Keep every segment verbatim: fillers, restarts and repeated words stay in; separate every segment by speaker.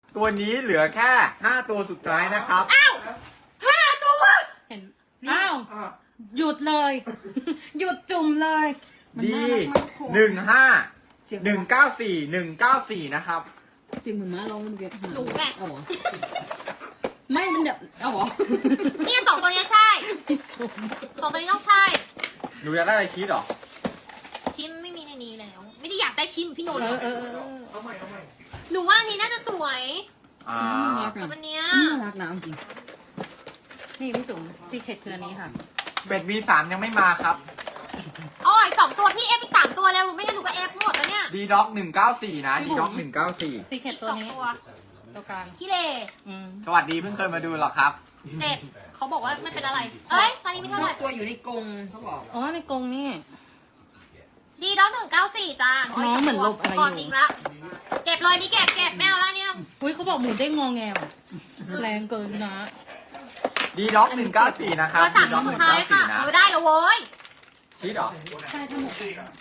Speaker 1: ตัวนี้เหลือแค่ห้าตัวสุดท้ายนะครับ
Speaker 2: อ้าวห้าตัว
Speaker 3: เห็นอ้าวหยุดเลย หยุดจุ่มเลยมัน
Speaker 1: ดี
Speaker 3: น่ารักมากโค
Speaker 1: หนึ่งห้าหนึ่งเก้าสี่หนึ่งเก้าสี่นะครับ
Speaker 4: เสียงเหมือนม้าร้องมันเวียนหา
Speaker 2: หนูไง
Speaker 4: เอาเหรอไม่มันแบบเอาเหรอ
Speaker 2: เนี่ยสองตัวเนี้ยใช่
Speaker 3: จุ่ม
Speaker 2: สองตัวนี้ต้องใช่
Speaker 1: หนูอยากได้อะไรชีสเหรอ
Speaker 2: ชิมไม่มีในนี้แล้ว ไม่ได้อยากได้ชิมพี่โน
Speaker 3: เอ
Speaker 2: เล
Speaker 3: อย เออเออ
Speaker 2: หนูว่าอันนี้น่าจะสวย
Speaker 1: อ่า
Speaker 4: น่ารัก
Speaker 2: แต่
Speaker 4: อ่ะ
Speaker 2: วันเนี้ย
Speaker 4: น่ารักนะเอาจริง
Speaker 3: นี่พี่จุ๋มซีเคร็ตคืออันนี้ค่ะ
Speaker 1: เป็ด วี สาม ยังไม่มาครับ
Speaker 2: อ๋ออีกสองตัวพี่เอฟอีกสามตัวแล้วไม่งั้นหนูก็เอฟหมดแล้วเนี่ย
Speaker 1: ดีด็อกหนึ่งเก้าสี่นะดีด็อกหนึ่งเก้าสี่
Speaker 3: ซีเคร็ต
Speaker 2: อีก
Speaker 3: ตัว
Speaker 2: สอง
Speaker 3: นี้
Speaker 2: ตัว
Speaker 3: ตัวกลาง
Speaker 2: ขี้เล่
Speaker 3: อืม
Speaker 1: สวัสดีเพิ่งเคยมาดูเหรอครับ
Speaker 2: เจ็ดเขาบอกว่าไม่เป็นอะไร เอ้ยตอนนี้ไม่
Speaker 4: ช
Speaker 2: เท่า
Speaker 4: อ
Speaker 2: ไห
Speaker 4: บ
Speaker 2: ร่
Speaker 4: ตัวอยู่ในกรงเขาบอก
Speaker 3: อ๋อในกรงนี่
Speaker 2: ดีด็อกหนึ่งเก้าสี่จ้า
Speaker 3: น้องเหมือนลบอะไรอยู่
Speaker 2: ก่อนจริงละเก็บเลยนี่เก็บเก็บไม่เอาแล้วเนี่ย
Speaker 3: อุ้ยเขาบอกหมูเด้งงอแงว่ะแรงเกินนะ
Speaker 1: ดีด็อกหนึ่งเก้าสี่นะครับ
Speaker 2: ตัวสาม
Speaker 1: ดี
Speaker 2: ตั
Speaker 1: ด็
Speaker 2: ว
Speaker 1: อกห
Speaker 2: สุด
Speaker 1: นึ่ง
Speaker 2: ท้าย
Speaker 1: เก้าสี่
Speaker 2: ค่ะ
Speaker 1: นะ
Speaker 2: เออได้แล้วเว้ย
Speaker 1: ชีสเหรอ
Speaker 3: ใช่ทั้งหมด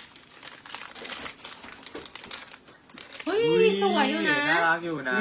Speaker 3: เฮ้ยสวยอยู่นะ
Speaker 1: น่ารักอยู่นะ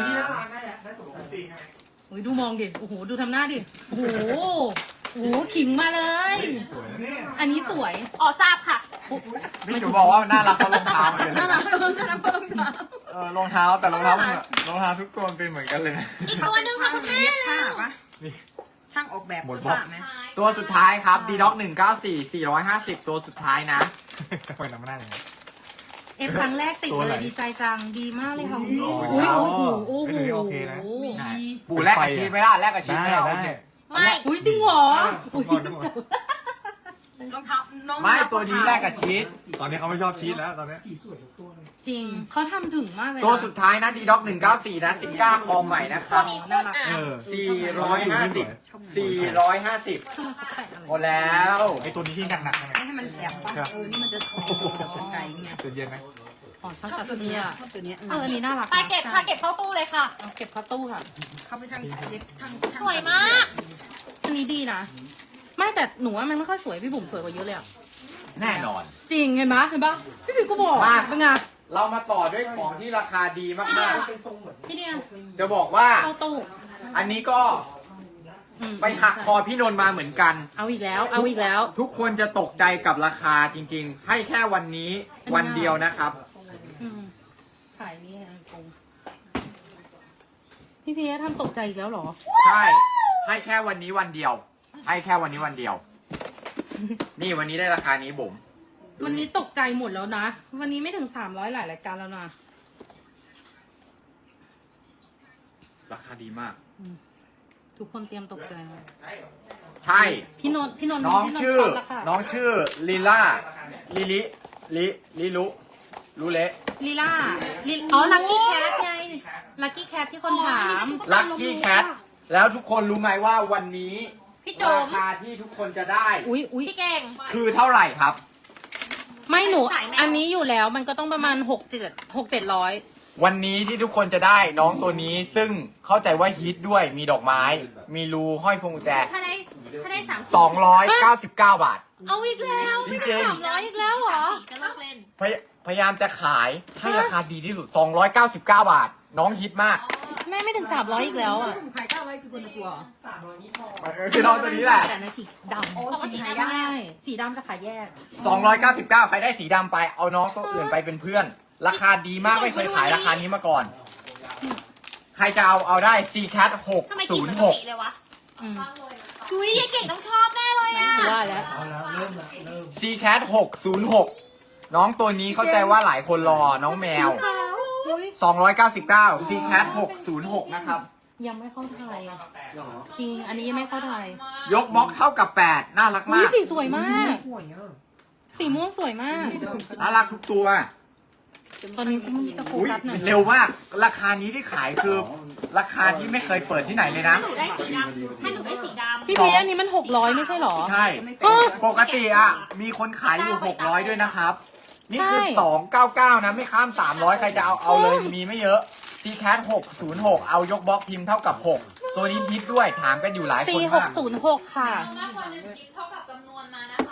Speaker 3: อุ้ยดูมองดิโอ้โหดูทำหน้าดิโอ้โหโอ้โหขิงมาเลย อันนี้สวย
Speaker 2: อ๋อทราบค่ะ
Speaker 1: พี่จูบอกว่าน่ารักเขารองเท้าเหมือนกัน
Speaker 3: น่ารักน่ารักน่ารัก
Speaker 1: เออรองเท้าแต่รองเท้ามันรองเท้าทุกตัวมันเป็นเหมือนกันเลยนะ
Speaker 2: อีกตัวหนึ่งค่ะคุณแม่
Speaker 4: เย็บผ้าปะ
Speaker 1: นี่
Speaker 4: ช่างออกแบบ
Speaker 1: หมด
Speaker 4: เสื้อผ้าไหม
Speaker 1: ตัวสุดท้ายครับดีด็อกหนึ่งเก้าสี่สี่ร้อยห้าสิบตัวสุดท้ายนะไปน้ำหน้าอย่างนี้
Speaker 3: เอฟครั้งแรกติด
Speaker 1: ตัว
Speaker 3: เล
Speaker 1: ไหน
Speaker 3: ยดีใจจังดีมากเลยค่ะ
Speaker 1: โอ้
Speaker 3: อุ้
Speaker 1: ย
Speaker 3: ยโอ้โหโอ้โห
Speaker 5: เฮ้ยโอเคนะ
Speaker 1: ปู่แลกกับชีสไม่ได้แลกกับชีส
Speaker 5: ได้
Speaker 1: ไม่ได้
Speaker 5: ได้
Speaker 1: โอเค
Speaker 2: ไม่
Speaker 3: อุ้ยจริงเหรออุ้ย
Speaker 5: ก่อนทุกคน
Speaker 4: รองเท้าน้อง
Speaker 1: ไม่ตัวนี้แลกกับชีส
Speaker 5: ตอนนี้เขาไม่ชอบชีสแล้วตอนนี้
Speaker 3: จริงเขาทำถึงมากเลยนะ
Speaker 1: ตัวสุดท้ายนะดีด็อกหนึ่งเก้าสี่นะซิก้าคอมใหม่นะค
Speaker 2: ตั
Speaker 1: รั
Speaker 2: ว
Speaker 1: บ
Speaker 2: นี้โคตรอ่ะ
Speaker 5: เออ
Speaker 1: สี่ร้อยห้าสิบสี่ร้อยห้าสิบ
Speaker 3: ทำไมเขาแปะอะไร
Speaker 1: หมดแล้ว
Speaker 5: ไอตัวนี้ที่หนักๆนะ
Speaker 4: ไม่ให้มันแหลมปะเออนี่มันจะโอ้โหไก่ไง
Speaker 5: จะเย็นไหม
Speaker 3: อ๋อชอบ
Speaker 4: ชอบ
Speaker 3: ตัด
Speaker 4: ตัว
Speaker 3: เสื้
Speaker 4: เนี้
Speaker 3: อย
Speaker 4: ชอบตัวเนี้ย
Speaker 3: เอออันนี้น่ารัก
Speaker 2: ไปเก็บค่ะเก็บเข้าตู้เลยค่ะ
Speaker 3: เอาเก็บเข้าตู้ค่ะ
Speaker 4: เขาไปช่างเย็บช่าง
Speaker 2: สวยมาก
Speaker 3: อันนี้ดีนะ ไม่แต่หนูว่ามันไม่ค่อยสวยพี่บุ๋มสวยกว่าเยอะเลยอะ
Speaker 1: แน่นอน
Speaker 3: จริงเห็นปะเห็นปะพี่บิ๊กก็บอก
Speaker 1: มา
Speaker 3: เป็นไง
Speaker 1: เรามาต่อด้วยของที่ราคาดีมาก
Speaker 3: พี่เดีย
Speaker 1: ๆ จะบอกว่า
Speaker 3: เข้าตู้
Speaker 1: อันนี้ก็
Speaker 3: อืม
Speaker 1: ไปหักคอพี่นนท์มาเหมือนกัน
Speaker 3: เอาอีกแล้ว เอาอีกแล้ว
Speaker 1: ทุกคนจะตกใจกับราคาจริงๆ ให้แค่วันนี้วันเดียวนะครับ
Speaker 3: อืมขายนี่ฮะกงพี่พีทำตกใจอีกแล้วเหรอ
Speaker 1: ใช่ ให้แค่วันนี้วันเดียว ให้แค่วันนี้วันเดียว นี่วันนี้ได้ราคานี้บุ๋ม
Speaker 3: วันนี้ตกใจหมดแล้วนะ วันนี้ไม่ถึงสามร้อยหลายรายการแล้วนะ
Speaker 1: ราคาดีมาก
Speaker 3: ทุกคนเตรียมตกใจนะ
Speaker 1: ใช่
Speaker 3: พี่นนท์พี่นนท์
Speaker 1: น้อง
Speaker 3: พี่นท์
Speaker 1: ชื่อ
Speaker 3: ช็ตแล้วค่ะ
Speaker 1: น้องชื่อลิล่าลิลิลิลิลุลุเละ
Speaker 3: ลีล่าลีอ๋อ ลักกี้แคทไง ลักกี้แคทที่คนถาม
Speaker 1: ลัคกี้แคทแล้วทุกคนรู้ไหมว่าวันนี้
Speaker 2: พี่โจ
Speaker 1: ราม คาที่ทุกคนจะได้
Speaker 3: อุ้ยอุ้ย
Speaker 2: พี่เก่ง
Speaker 1: คือเท่าไหร่ครับ
Speaker 3: ไม่หนู
Speaker 2: ขายแมว
Speaker 3: อันนี้อยู่แล้วมันก็ต้องประมาณหกเจ็ดหกเจ็ดร้อย
Speaker 1: วันนี้ที่ทุกคนจะได้น้องตัวนี้ซึ่งเข้าใจว่าฮิตด้วยมีดอกไม้ มีรูห้อยพวงกุญแจ
Speaker 2: ถ้าได้ถ้าได้สาม
Speaker 1: สองร้อยเก้าสิบเก้าบาท
Speaker 3: เอาอีกแล้วไม่
Speaker 1: จริ
Speaker 3: ได้
Speaker 1: งๆ
Speaker 3: สามร้อยอีกแล้วเหรอ
Speaker 2: จะเลิกเล่น
Speaker 1: พยพยายามจะขายให้ราคาดีที่สุด สองร้อยเก้าสิบเก้าบาท น้องฮิตมาก
Speaker 3: แม่ไม่ถึงสามร้อยอีกแล้วอ่ะ
Speaker 4: ผมขายเก้าไว้คือคนละตัว
Speaker 1: คือน้องตัวนี้แหละ
Speaker 3: แต่ในสีดำ
Speaker 4: โอ้สี
Speaker 3: ใช่
Speaker 4: หายาก
Speaker 3: สีดำจะขายแยก
Speaker 1: สองร้อยเก้าสิบเก้าใครได้สีดำไปเอาน้องตัวอื่นไปเป็นเพื่อน ราคาดีมากไม่เคยขายราคานี้มาก่อน ใครจะเอาเอาได้ ซี แคท หก
Speaker 2: ทำไม
Speaker 1: ศู
Speaker 2: กิน
Speaker 1: น
Speaker 2: ป
Speaker 1: ย์
Speaker 2: ก
Speaker 1: หก
Speaker 2: ติเลยวะ
Speaker 3: อืม
Speaker 2: อุ้ยยายเก่งต้องชอบแน่เลยอ่ะ
Speaker 3: ว่าแล้ว
Speaker 5: เอาแล้วเริ่มแล้วเริ่ม
Speaker 1: ซี แคท หกศูนย์หกน้องตัวนี้เข้าใจว่าหลายคนรอน้องแมว สองร้อยเก้าสิบเก้า ซี แคท หกศูนย์หกนะครับ
Speaker 3: ยังไม่เข้าไทยจริง อันนี้ยังไม่เข้าไทย
Speaker 1: ยกบล็อกเท่ากับแปดน่ารัก
Speaker 3: อุ้
Speaker 1: มาย ก
Speaker 3: สีสวยมาก สีม่วงสวยมาก
Speaker 1: น่ารักทุกตัว
Speaker 3: ตอนนี้คุณจะโฟ
Speaker 1: อุ้ย
Speaker 3: กัสหน่อย
Speaker 1: เร็วมาก ราคานี้ที่ขายคือ ราคาที่ไม่เคยเปิดที่ไหนเลยนะ
Speaker 2: ถ้าหนูได้สีดำถ้าหนูได้สีดำ
Speaker 3: พี่พีอันนี้มันหกร้อยไม่ใช่หรอ
Speaker 1: ใช่
Speaker 3: เออ
Speaker 1: ปกติอ่ะ มีคนขายอยู่ หกร้อย ด้วยนะครับ นี่คือ
Speaker 3: ใช่
Speaker 1: สองร้อยเก้าสิบเก้า นะ ไม่ข้าม สามร้อย ใครจะเอาเอาเลย มีไม่เยอะ ซี แคท หกศูนย์หก เอายกบล็อกพิมพ์เท่ากับ หก ตัวนี้ฮิตด้วย ถามกันอยู่หลายค
Speaker 3: สี่
Speaker 1: น
Speaker 3: ห
Speaker 1: มาก ก
Speaker 3: ศูนย์หกค่ะ
Speaker 6: มากกว่าหนึ่งคลิปเท่ากับจำนวนมานะคะ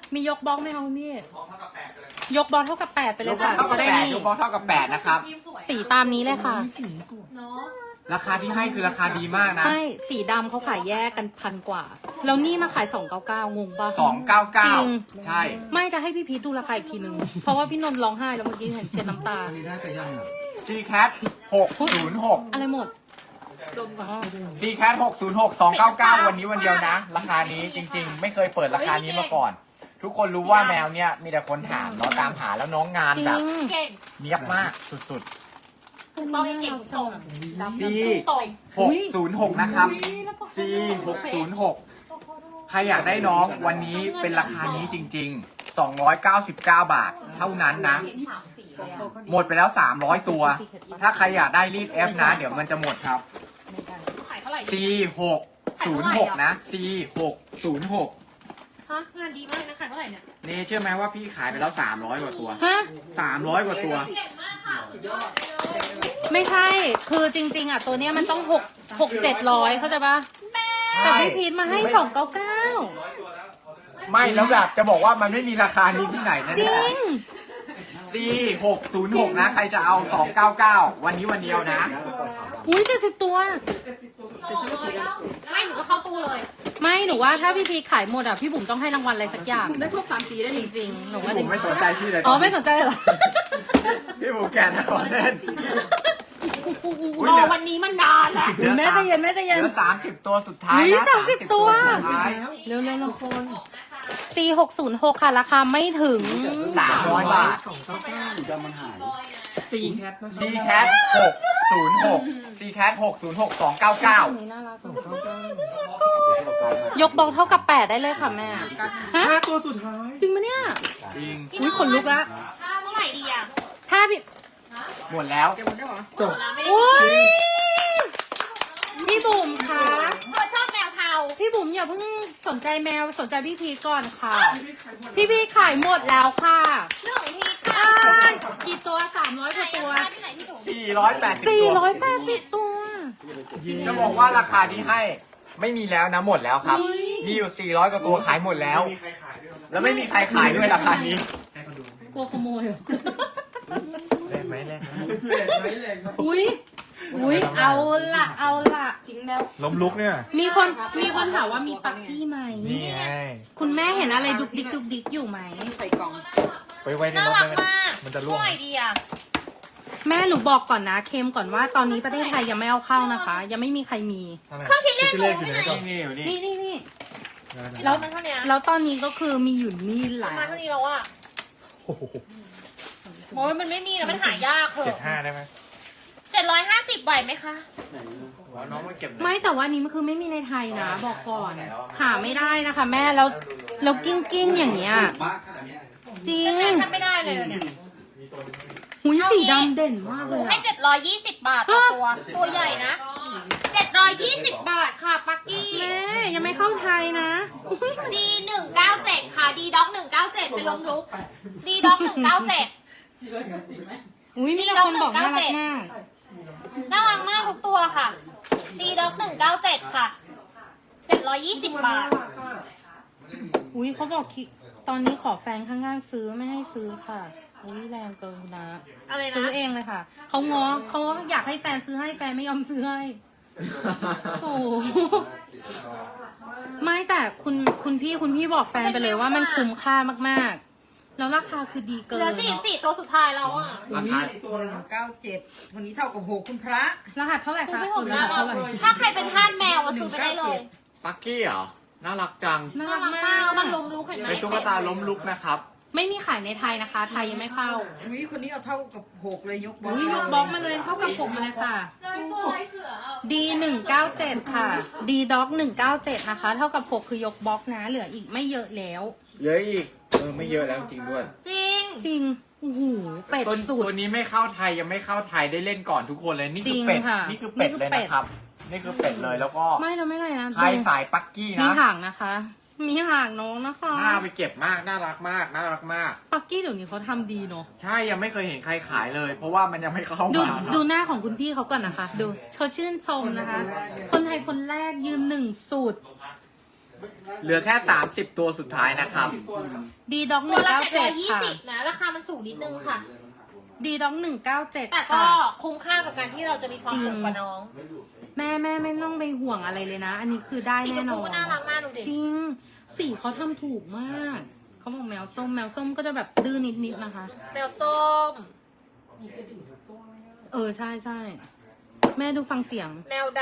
Speaker 3: มียกบล็อกไหมคะคุณพี่ยกบล็อกเท่ากับแปดไปเลย
Speaker 1: ยกบอ
Speaker 3: ค่ะ
Speaker 1: ลเท่ากับ
Speaker 3: จะได้
Speaker 1: แปด
Speaker 3: นี่
Speaker 1: ยกบอลเท่ากับแปดนะครับ
Speaker 3: สีตามนี้เลยค่ะ
Speaker 1: ราคาที่ให้คือราคาดีมากนะ
Speaker 3: ไม่สีดำเขาขายแยกกันพันกว่า แล้วนี่มาขายสองเก้าเก้างงปะ
Speaker 1: สองเก้าเก้า
Speaker 3: จริง
Speaker 1: ใช่
Speaker 3: ไม่จะให้พี่พีทดูราคาอีกทีนึง เพราะว่าพี่นนท์ร้องไห้แล้วเมื่อกี้เห็นเช็ดน้ำตา
Speaker 1: ซีแคทหกศูนย์หก
Speaker 3: อะไรหมดอ๋อ
Speaker 1: ซีแคทหกศูนย์หก สองเก้าเก้าวันนี้วันเดียวนะ ราคานี้จริงๆ ไม่เคยเปิดราคานี้มาก่อน ทุกคนรู้ว่าแมวเนี่ยมีแต่คนถามเนาะตามหาแล้วน้องงาน
Speaker 3: จริ
Speaker 1: แบบ
Speaker 3: ง
Speaker 2: เก่ง
Speaker 1: เนียบมากสุด
Speaker 2: ต้องเก่งตรง
Speaker 1: ๆ C
Speaker 2: ตรง
Speaker 1: หกศูนย์หกนะครับ C หกศูนย์หกใครอยากได้น้องวันนี้เป็นราคานี้จริงๆ สองร้อยเก้าสิบเก้า บาท เท่านั้นนะ หมดไปแล้ว สามร้อย ตัว ถ้าใครอยากได้รีบเอฟนะ เดี๋ยวมันจะหมดครับ
Speaker 2: ขายเท่าไหร่
Speaker 1: C หกศูนย์หกนะ C หกศูนย์หก
Speaker 2: ฮะงานดีมากนะขายเท่าไหร่เนี่ย
Speaker 1: นี่เชื่อไหมว่าพี่ขายไปแล้ว สามร้อย กว่าตัว
Speaker 3: ฮะ
Speaker 1: สามร้อย กว่าตัว
Speaker 2: เก่งมากค่ะสุดยอด
Speaker 3: ไม่ใช่ คือจริง ๆ อ่ะ ตัวเนี้ยมันต้องหกหกเจ็ดร้อยเข้าใจปะแต่พี่พีทมาให้สองเก้าเก้า
Speaker 1: ไม่แล้วแบบจะบอกว่ามันไม่มีราคานี้ที่ไหนนะ
Speaker 3: จ
Speaker 1: เนี่
Speaker 3: ริ
Speaker 1: ย
Speaker 3: ง
Speaker 1: C หกศูนย์หกนะ ใครจะเอา สองเก้าเก้า วันนี้วันเดียวนะ
Speaker 3: อุ้ยเจ็ดสิบตัว
Speaker 2: ไม่หนูก็เข้าตู้เลย
Speaker 3: ไม่หนูว่าถ้าพี่พีทขายหมดอ่ะ พี่บุ๋มต้องให้รางวัลอะไรสักอย่าง
Speaker 4: ได้ครบสามสีได้
Speaker 3: จ
Speaker 4: ดิ
Speaker 3: ริงๆ หนู
Speaker 1: พี่
Speaker 3: ว่า
Speaker 1: บุ๋
Speaker 3: จริ
Speaker 1: ม
Speaker 3: ง
Speaker 1: ไม่สนใจพี่เลย
Speaker 3: อ๋อไม่สนใจเหรอ
Speaker 1: พี่บุ๋มแกนะขอเล่น
Speaker 2: รอวันนี้มันนานแล้ว
Speaker 1: เหลือ
Speaker 3: แม่ใจเย็นแม่ใจ
Speaker 1: เห
Speaker 3: เย็น
Speaker 1: ลือสามสิบตัวสุดท้าย
Speaker 3: อุ๊ย
Speaker 1: นะ
Speaker 3: สามสิบตัว
Speaker 1: สุดท้าย
Speaker 3: เร็วๆละคน C หกศูนย์หกค่ะ ราคาไม่ถึง
Speaker 1: สามร้อยบาท
Speaker 5: ซีแคท
Speaker 1: C cat หกศูนย์หก C cat หกศูนย์หก สองเก้าเก้า
Speaker 3: นี่น่ารักยกบล็อกเท่ากับแปดได้เลยค่ะแม่ ฮะ
Speaker 5: ห้าตัวสุดท้าย
Speaker 3: จริงปะเนี่ย
Speaker 1: จริง
Speaker 3: อุ๊ยขนลุกละ
Speaker 2: ถ้าเมื่อไหร่ดีอ่ะ
Speaker 3: ถ้าพี่
Speaker 1: หมดแล้ว
Speaker 4: เดี๋ยวหมดได้หรอ
Speaker 5: จบ
Speaker 2: เราไม่ได้
Speaker 3: โอ้ยพี่บุ๋มคะ
Speaker 2: เออชอบแมวเทา
Speaker 3: พี่บุ๋มอย่าเพิ่งสนใจแมวสนใจพี่พีชก่อนค่ะ พี่พีชขายหมดแล้วค่ะ
Speaker 2: เรื่องของพีทค่ะ
Speaker 3: อ้ายกี่ตัวสามร้อยก
Speaker 2: ไหน
Speaker 3: ว่า
Speaker 2: อะ
Speaker 3: ตัว
Speaker 2: ที่ไหนที่หนู
Speaker 1: สี่ร้อยแปดสิบ
Speaker 3: สี่
Speaker 1: ตัว
Speaker 3: ร้อยแปดสิบตัว
Speaker 1: จะบอกว่าราคาที่ให้ไม่มีแล้วนะหมดแล้วครับ มีอยู่สี่ร้อยกว่าตัวขายหมดแล้ว แล้วไม่มีใครขายด้วยราคานี้
Speaker 3: กลัวขโมยเหรอ
Speaker 1: เล่นไหมเล่น
Speaker 3: อุ้ยอุ้ยเอาละเอาละ
Speaker 4: ทิ้งแล้ว
Speaker 5: ล้มลุกเนี่ย
Speaker 3: มีคนมีคนถามว่ามีปักกี้ไหม
Speaker 5: นี่ไง
Speaker 3: คุณแม่เห็นอะไรดุกดิกดุกดิกอยู่ไหม
Speaker 4: ใส่กล่อง
Speaker 5: ไปไว้ใน
Speaker 2: น่าร
Speaker 5: ถ
Speaker 2: รัก
Speaker 5: ได้ไหม
Speaker 2: มาก
Speaker 5: มันจะร่วง
Speaker 2: เท่าไหร่ดีอ่ะ
Speaker 3: แม่หนูบอกก่อนนะเค็มก่อนว่าตอนนี้ประเทศไทยยังไม่เอาเข้านะคะ ยังไม่มีใครมี
Speaker 2: เครื่องคิดเลขหนู
Speaker 5: อยู่
Speaker 2: ที่
Speaker 5: ไห
Speaker 2: ไห
Speaker 5: น
Speaker 2: น
Speaker 1: นี่นี่อยู่นี่
Speaker 3: นี่นี่นี่
Speaker 2: แล้
Speaker 3: แล้ว ว
Speaker 2: มันเท่านี้
Speaker 3: แล้วตอนนี้ก็คือมีอยู่นี่แห
Speaker 2: ป
Speaker 3: ละ
Speaker 2: ระมาณเท่านี้แล้วอ่ะ
Speaker 5: โอ้โห
Speaker 2: โอ้ยมันไม่มีแล้วมันหายากเห
Speaker 5: เจ็ด
Speaker 2: อะ
Speaker 5: ห้าได้ไหม
Speaker 2: เจ็ดร้อยห้าสิบไหวไหมคะ
Speaker 1: น้องมาเก็บ
Speaker 3: ไม่แต่ว่านี้มันคือไม่มีในไทยนะ บอกก่อน หาไม่ได้นะคะ แม่แล้วแล้วกิ้งกิ้งอย่างเงี้ยจริง
Speaker 2: จะทำไม่ได้เลยเนี่ย
Speaker 3: หุยสีดำเด่นมาก
Speaker 2: ห
Speaker 3: เล
Speaker 2: นู
Speaker 3: ย
Speaker 2: ให้
Speaker 3: อะ
Speaker 2: เจ็ดร้อยยี่สิบบาทต่อตัว ตัวใหญ่นะเจ็ดร้อยยี่สิบบาทค่ะปักกี้
Speaker 3: แม่ยังไม่เข้าไทยนะอุ๊ย
Speaker 2: ดีหนึ่งเก้าเจ็ดค่ะดีด็อกหนึ่งเก้าเจ็ดเป็นลมลุกดีด็อกหนึ่งเก้าเจ็ด
Speaker 3: อุ้ยมีแต่คนบอกน่ารักมาก
Speaker 2: น่ารักมากทุกตัวค่ะดีด็อกหนึ่งเก้าเจ็ดค่ะเจ็ดร้อยยี่สิบบาท
Speaker 3: อุ้ยเขาบอกคิตอนนี้ขอแฟนข้างๆซื้อไม่ให้ซื้อค่ะอุ้ยแรงเกินนะ
Speaker 2: อะไรนะ
Speaker 3: ซื้อเองเลยค่ะเขาง้อเขาอยากให้แฟนซื้อให้แฟนไม่ยอมซื้อให้โอ้โหไม่แต่คุณคุณพี่คุณพี่บอกแฟนไปเลยว่ามันคุ้มค่ามากๆ แล้วราคาคือดีเกิ
Speaker 2: เหลือน สี่สี่ตัวสุดท้ายแล้วอ่ะ
Speaker 1: ราคา
Speaker 4: เก้าเจ็ดวันนี้เท่ากับหกคุณพระ
Speaker 3: รหัสเท่าไหร่
Speaker 2: ซื้อ
Speaker 3: คะ
Speaker 2: ไปหมด
Speaker 3: ร
Speaker 2: แล้
Speaker 3: หั
Speaker 2: ว
Speaker 3: สเท่าไหร่
Speaker 2: ถ้าใครเป็นทาสแมวอะซื้อไปได้เลย
Speaker 1: ปักกี้เหรอ น่ารักจัง
Speaker 3: น่า
Speaker 2: น่า
Speaker 3: รัก
Speaker 2: รัก
Speaker 3: มาม
Speaker 2: าก
Speaker 3: ก
Speaker 2: มันล้มลุกเห็นไหม
Speaker 1: เป็นตุ๊กตาล้มลุกนะครับ
Speaker 3: ไม่มีขายในไทยนะคะ ไทยยังไม่เข้า
Speaker 4: วิคนนี้เอาเท่ากับหกเลยยกบอล
Speaker 3: อุ้ยยกบล็อกมาเลยเท่ากับผมมาเลยค่ะ D หนึ่งเก้าเจ็ดค่ะ D Dog หนึ่งเก้าเจ็ดนะคะ เท่ากับหกคือยกบล็อกนะ เหลืออีกไม่เยอะแล้ว
Speaker 1: เยอะอีก เออไม่เยอะแล้วจริงด้วย
Speaker 2: จริง
Speaker 3: จริงโอ้โหเป็ด
Speaker 1: ตัว
Speaker 3: สุด
Speaker 1: ตัวนี้ไม่เข้าไทยยังไม่เข้าไทยได้เล่นก่อนทุกคนเลย นี่คือ
Speaker 3: จริง
Speaker 1: เป็ด
Speaker 3: ค่ะ
Speaker 1: นี่คือเป็ด
Speaker 3: นี่คือ
Speaker 1: เลย
Speaker 3: เป็ด
Speaker 1: นะครับ นี่คือเป็ดเลยแล้วก็
Speaker 3: ไม่เราไม่ไรนะ
Speaker 1: ใคร
Speaker 3: ดู
Speaker 1: สายปักกี้
Speaker 3: มี
Speaker 1: นะ
Speaker 3: หางนะคะ มีหางน้องนะคะ
Speaker 1: หน้าไปเก็บมาก น่ารักมาก น่ารักมาก
Speaker 3: ปักกี้เดี๋ยวนี้เขาทำดีเนาะ
Speaker 1: ใช่ยังไม่เคยเห็นใครขายเลย เพราะว่ามันยังไม่เข้า
Speaker 3: ดู
Speaker 1: มาครับ
Speaker 3: ดูหน้าของคุณพี่เขาก่อนนะคะ ดูเขาชื่นชมนะคะ คนไทยคนแรกยืนหนึ่งสุด
Speaker 1: เหลือแค่สามสิบตัวสุดท้ายนะครับ
Speaker 3: ดีด็อกห
Speaker 2: ตัว
Speaker 3: นึ่ง
Speaker 2: ละ
Speaker 3: เก้า
Speaker 2: เจ็ดร้
Speaker 3: เจ็
Speaker 2: อ
Speaker 3: ด
Speaker 2: ยยี่
Speaker 3: ค่ะ
Speaker 2: สิบนะ ราคามันสูงนิดนึงค่ะ
Speaker 3: ดีด็อกหนึ่งเก้าเจ็ด
Speaker 2: แต่ก็
Speaker 3: ค่ะ
Speaker 2: คุ้มค่ากับการที่เราจะมีความสุขกว่าน้อง
Speaker 3: แม่แม่ไม่ต้องไปห่วงอะไรเลยนะ อันนี้คือได้
Speaker 2: สีช
Speaker 3: แน่
Speaker 2: ม
Speaker 3: น
Speaker 2: พู
Speaker 3: อน
Speaker 2: ก็น่ารักมากดูดิ
Speaker 3: จริง สีเขาทำถูกมาก เขาบอกแมวส้มแมวส้มก็จะแบบดื้อนิดๆนะคะ
Speaker 2: แมวส้ม
Speaker 3: เออใช่ใช่แม่ดูฟังเสียง
Speaker 2: แมวด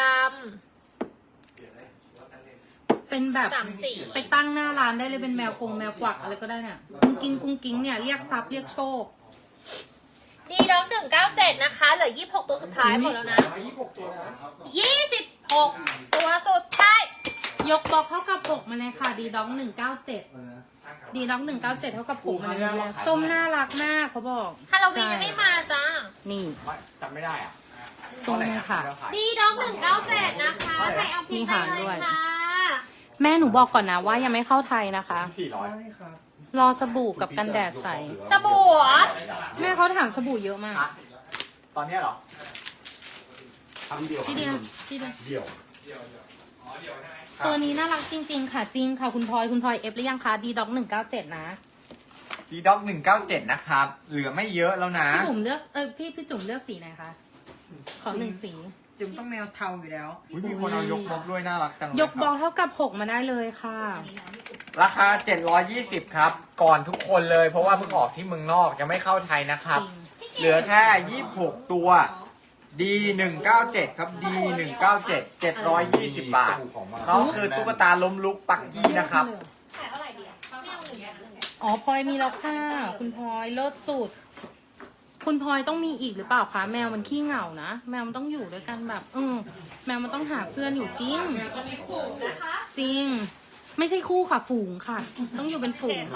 Speaker 3: เป็นแบบ
Speaker 2: ำสามสี
Speaker 3: ไปตั้งหน้าร้านได้เลยเป็นแมวคงแมวกวักอะไรก็ได้เนี่ยกุ้งกิ้งกุ้งกิ้งเนี่ยเรียกทรัพย์เรียกโชค
Speaker 2: ดีด็อกหนึ่งเก้าเจ็ดนะคะ เหลือยี่สิบหกตัวสุดท้ายหมดแล้วนะ
Speaker 5: ยี่สิบหกตัวนะ
Speaker 2: ยี่สิบหกตัวสุดท้าย
Speaker 3: ยกบล็อกเท่ากับหกมาเลยค่ะดีด็อกหนึ่งเก้าเจ็ดดีด็อกหนึ่งเก้าเจ็ดเท่ากับหกมาเลยแล้วส้มน่ารักมากเขาบอก
Speaker 2: ฮาโลวีนยังไม่มาจ้า
Speaker 3: นี่
Speaker 1: จำไม่ได้อ่ะ
Speaker 3: ส้มค่ะ
Speaker 2: ดีด็อกหนึ่งเก้าเจ็ดนะคะ ใครเอาพิมพ์ได้เลยค่ะ
Speaker 3: แม่หนูบอกก่อนนะว่ายังไม่เข้าไทยนะคะ
Speaker 1: สี่ร้อย
Speaker 5: ใช่ครับ
Speaker 3: รอสบู่กับกันแดดใส
Speaker 2: สบู่เหรอ
Speaker 3: แม่เขาถามสบู่เยอะมาก
Speaker 1: ตอนเนี้ยเหรอ
Speaker 5: ทำเดียว
Speaker 3: ที่เดียวที่เดียว
Speaker 5: เดี่ยว
Speaker 3: ตัวนี้น่ารักจริง ๆ ค่ะจริงค่ะคุณพลอยคุณพลอยเอฟหรือยังคะดีด็อกหนึ่งเก้าเจ็ดนะ
Speaker 1: ดีด็อกหนึ่งเก้าเจ็ดนะครับ เหลือไม่เยอะแล้วนะ
Speaker 3: พี่จุ๋มเลือกเออพี่พี่จุ๋มเลือกสีไหนคะขอหนึ่งสี
Speaker 4: จุ๋มต้องแมวเทาอยู่แล้ว
Speaker 1: อุ๊ยมีคนเอายกบล็อกด้วยน่ารักจังเลย
Speaker 3: ยกบอล
Speaker 1: ครับ
Speaker 3: เท่ากับหกมาได้เลยค่ะ
Speaker 1: ราคาเจ็ดร้อยยี่สิบครับ ก่อนทุกคนเลย เพราะว่าเพิ่งออกที่เมืองนอกยังไม่เข้าไทยนะครับ
Speaker 3: จริง
Speaker 1: เหลือแค่ยี่สิบหกตัว ดีหนึ่งเก้าเจ็ดครับ ดีหนึ่งเก้าเจ็ด เจ็ดร้อยยี่สิบบาท น้องคือตุ๊กตาล้มลุกปักกี้นะครับ
Speaker 2: ขายเท่าไหร่ดีอะไม่เอาหนึ่งอย่างหนึ่ง
Speaker 3: อ๋อพลอยมีแล้วค่ะคุณพลอยเลิศสุด คุณพลอยต้องมีอีกหรือเปล่าคะแมวมันขี้เหงานะแมวมันต้องอยู่ด้วยกันแบบเออแมวมันต้องหาเพื่อนอยู่จริงจริง ไม่ใช่คู่ค่ะฝูงค่ะ ต้องอยู่เป็นฝูง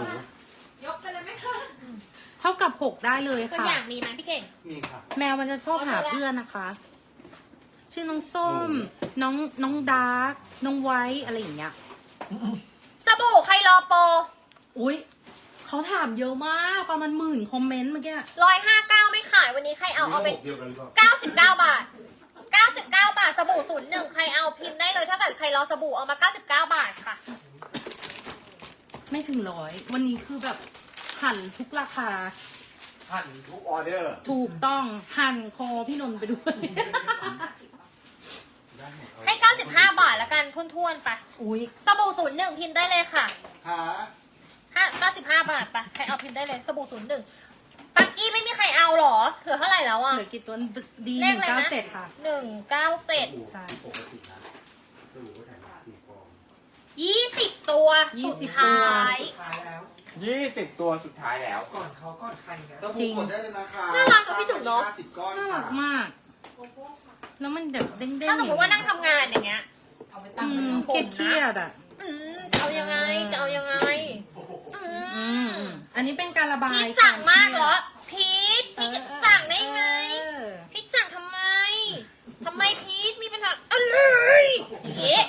Speaker 3: เท่ากับหกได้เลย
Speaker 2: ตัว
Speaker 3: ค่ะ
Speaker 2: อย่างมีไหมพี่เก่ง
Speaker 5: มีค่ะ
Speaker 3: แมวมันจะชอบหาเพื่อนนะคะ ชื่อน้องส้ม น้องน้องดาร์กน้องไวท์อะไรอย่างเงี้ย
Speaker 2: สบู่ใครรอโปร
Speaker 3: อุ้ยเขาถามเยอะมากประมาณหมื่นคอมเมนต์เมื่อกี้
Speaker 2: ร้อยห้าเก้าไม่ขายวันนี้ใครเอาเอาไป
Speaker 5: เดียวกันหรือเปล่า
Speaker 2: เก้าสิบเก้าบาทเก้าสิบเก้าบาทสบู่ศูนย์หนึ่งใครเอาพิมพ์ได้เลยถ้าเกิดใครรอสบู่เอามาเก้าสิบเก้าบาทค่ะ
Speaker 3: ไม่ถึงร้อยวันนี้คือแบบหั่นทุกราคา
Speaker 1: หั่นทุกออเดอร์
Speaker 3: ถูกต้องหั่นคอพี่นนท์ไปด้วย
Speaker 2: ให้เก้าสิบห้าบาทแล้วกันทุ่นๆไป
Speaker 3: อุ้ย
Speaker 2: สบู่ศูนย์หนึ่งพิมพ์ได้เลยค่ะ
Speaker 5: หา
Speaker 2: ห้าเก้าสิบห้าบาทไปใครเอาพิมพ์ได้เลยสบู่ศูนย์หนึ่งปักกี้ไม่มีใครเอาหรอเหลือเท่าไหร่แล้วอ่ะ
Speaker 3: เหลือกี่ตัวดี
Speaker 2: เล
Speaker 3: ห
Speaker 2: ข
Speaker 3: นึ่ง
Speaker 2: อะไร
Speaker 3: เก้า
Speaker 2: นะ
Speaker 3: เจ็ดค่ะ
Speaker 2: หนึ่งเก้าเจ็ด
Speaker 3: ใช่
Speaker 5: ปกตินะดูว่าถ่ายมาสี่ฟอง
Speaker 2: ยี่สิบตัว
Speaker 3: ยี่
Speaker 2: สุ
Speaker 3: สิ
Speaker 2: ด
Speaker 3: บ
Speaker 2: ท้
Speaker 3: ตัว
Speaker 2: าย
Speaker 1: ยี่สิบตัวสุดท้ายแล้ว
Speaker 5: ก่อนเขาก่อนใครนะ
Speaker 3: จริง
Speaker 5: กดได้เลยนะคะ
Speaker 2: น่ารักกับพี่จุ๋มเนอะ
Speaker 5: ห้าสิบก้อน
Speaker 3: น่ารักมาก แล้วมันแบบเด้งๆ
Speaker 2: ถ้าสมมติว่านั่งทำงานอย่างเงี้ย
Speaker 4: เอาไป
Speaker 3: อื
Speaker 4: ตั้งเป็น
Speaker 3: ม
Speaker 4: ผม
Speaker 3: เครีย
Speaker 4: นะ
Speaker 3: ดๆอ่ะ
Speaker 2: อืมจะเอายังไงจะเอายังไงอื
Speaker 3: อื
Speaker 2: ม
Speaker 3: มอันนี้เป็นการระบาย
Speaker 2: พีทสั่งมากเหรอพีทพีทจะสั่งได้ไง
Speaker 3: เออ
Speaker 2: พีทสั่งทำไมทำไมพีทมีปัญหาอะไรเอ๊ะ